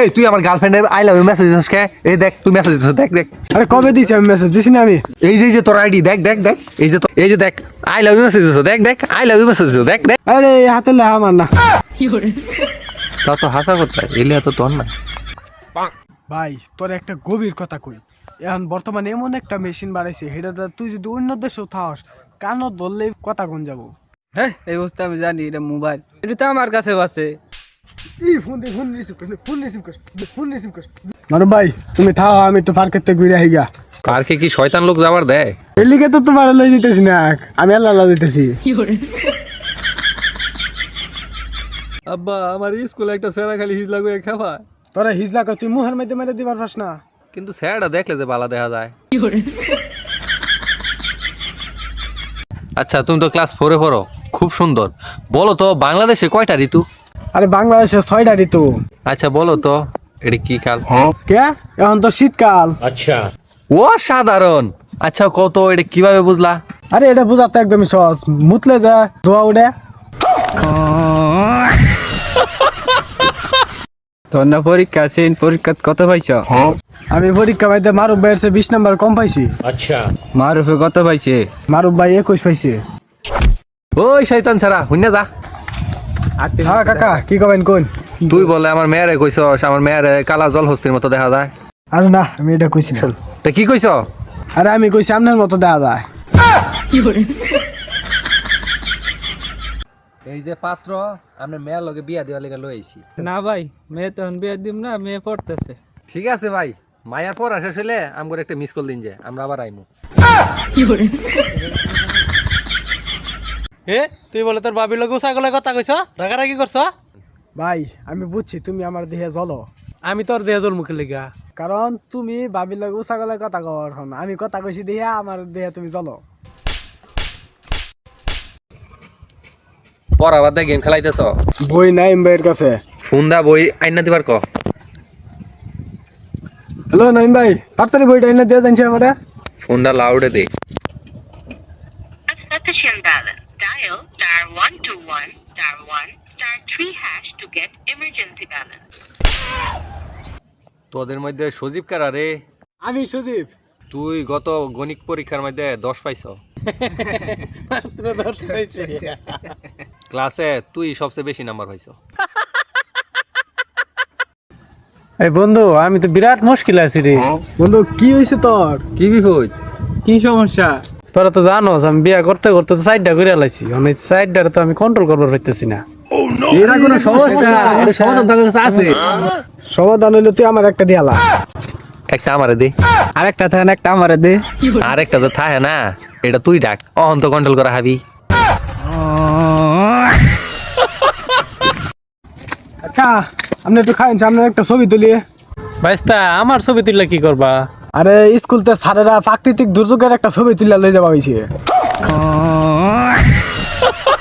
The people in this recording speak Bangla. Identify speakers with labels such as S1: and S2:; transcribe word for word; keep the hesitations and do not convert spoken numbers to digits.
S1: এই তুই আমার গার্লফ্রেন্ডের আই লাভ ইউ মেসেজ দিছিস কে? এই দেখ তুই মেসেজ দিছিস, দেখ দেখ।
S2: আরে কবে দিছি আমি মেসেজ দিছি না আমি?
S1: এই যে এই যে তোর আইডি দেখ দেখ দেখ, এই যে তো এই যে দেখ আই লাভ ইউ মেসেজ দিছিস, দেখ দেখ আই লাভ ইউ মেসেজ দিছিস, দেখ দেখ।
S2: আরে হাতে লেখা আমার না
S1: তা তো হাসা কোথায় এলে তো তোর না।
S2: ভাই। তোর একটা গভীর কথা কই, এখন বর্তমানে এমন একটা মেশিন বাড়াইছে সেটা তুই যদি অন্য দেশেও থাকস কানও ধরলেই কথা কোন যাবো।
S3: হ্যাঁ এই বস্তু আমি জানি, এটা মোবাইল, এটা তো আমার কাছে আছে।
S2: ই ফোন দে, ফোন রিসিভ কর, ফোন রিসিভ কর, ফোন রিসিভ কর। মারু ভাই তুমি থাও, আমি একটু পার্কের থেকে ঘুরে আইগা।
S1: পার্কে কি শয়তান লোক যাবার দেয়?
S2: এর লিগে তো তোমার লই দিতেছি না, আমি আল্লাহ আল্লাহ দিতেছি।
S4: আব্বা আমার স্কুলে একটা সেরা খালি হিজলা করে খাবা।
S2: তোরা হিজলা কর, তুই মুহের মধ্যে মেরে দিবার পারস না।
S1: কিন্তু স্যারটা দেখলে যে বালা দেখা যায়। আচ্ছা তুমি তো ক্লাস ফোরে পড়ো, খুব সুন্দর। বলো তো বাংলাদেশে কয়টা ঋতু?
S2: আরে বাংলাদেশে ছয়টা ঋতু।
S1: আচ্ছা বলো তো এটা কি কাল?
S2: কে? এখন তো শীতকাল।
S1: ও সাধারণ। আচ্ছা কত এটা কিভাবে বুঝলা?
S2: আরে এটা বুঝাতে একদমই সহজ, মুতলে যা ধোয়া উঠে।
S3: তোর না পরীক্ষা আছে, পরীক্ষা কত পাইছ?
S2: আমি পরীক্ষা পাইতে মারুফ ভাইয়ের চেয়ে বিশ নাম্বার কম পাইছি।
S3: মারুফে কত পাইছে?
S2: মারুফ ভাই একুশ পাইছে।
S1: ওই শয়তান ছাড়া হুইনা যা।
S2: হ্যাঁ কাকা কি কবেন কোন?
S1: তুই বলে আমার মেয়েরে কইছস আমার মেয়েরে কালা জল হস্তির মতো দেখা যায়।
S2: আরে না আমি এটা কইছি না।
S1: তা কি কইছ?
S2: আরে আমি কইছি আপনার মতো দেখা যায়।
S1: এই যে পাত্র আমরা মেয়ের লগে বিয়া দেওয়ার লেগে লই আইছি।
S3: না ভাই, মেয়ে তখন বিয়ে দিব না, মেয়ে পড়তেছে।
S1: ঠিক আছে ভাই, মায়ার পর শেষ হইলে আমগর একটা মিস কল দিন যে আমরা আবার আইমু।
S4: এ তুই বলে তোর বাবির লোক ছাগলের কথা কইছ, রাগারাগি করছ?
S2: ভাই আমি বুঝছি তুমি আমার দেহে জ্বলো,
S4: আমি তোর দেহ তোর মুখে লেগা।
S2: কারণ তুমি ভাবির লাগে উষাগলের কথা কর, আমি কথা কইছি দেহে আমার দেহে তুমি জ্বলো।
S1: পর আবার দেখ গেম খেলাইতেছ।
S2: বই নাই ভাইয়ের কাছে।
S1: ফোন দা বই আইনা দিবার ক।
S2: হ্যালো নাইম ভাই, তাড়াতাড়ি বইটা এনে দিয়ে জানছি আমারে।
S1: ফোনটা লাউডে দে।
S5: Insufficient balance. Dial star one two one star one star three hash to get emergency balance.
S1: তোদের মধ্যে সজীব কারা রে?
S2: আমি সুদীপ।
S1: তুই গত গণিত পরীক্ষার মধ্যে দশ পাইছ।
S4: মাত্র দশ পাইছে।
S1: ক্লাসে তুই সবচেয়ে বেশি নাম্বার পাইছ।
S4: এই বন্ধু আমি তো বিরাট মুশকিল আছি রে।
S2: বন্ধু কি হয়েছে তোর?
S1: কি বিহুই?
S3: কি সমস্যা?
S4: তোরা তো জানোস আমি বিয়া করতে করতে তো সাইডটা করে আলাইছি, অনেক সাইডটা তো আমি কন্ট্রোল করতে পারতেছি না।
S1: এটা কোনো সমস্যা? এটা সমাধান তোর কাছে আছে?
S2: সমাধান হইলে তুই আমার একটা দিয়ালা।
S1: একটা আমারে দে।
S3: আরেকটা থাকে একটা আমারে দে।
S1: আর একটা যে থাকে না এটা তুই ডাক, অহন তো কন্ট্রোল করা হাবি।
S2: আচ্ছা আপনি একটু খাইন, আপনার একটা ছবি তুলি।
S4: ভাইস্তা আমার ছবি তুললে কি করবা?
S2: আরে স্কুলতে স্যারেরা প্রাকৃতিক দুর্যোগের একটা ছবি তুলে লই যাওয়া হয়েছে।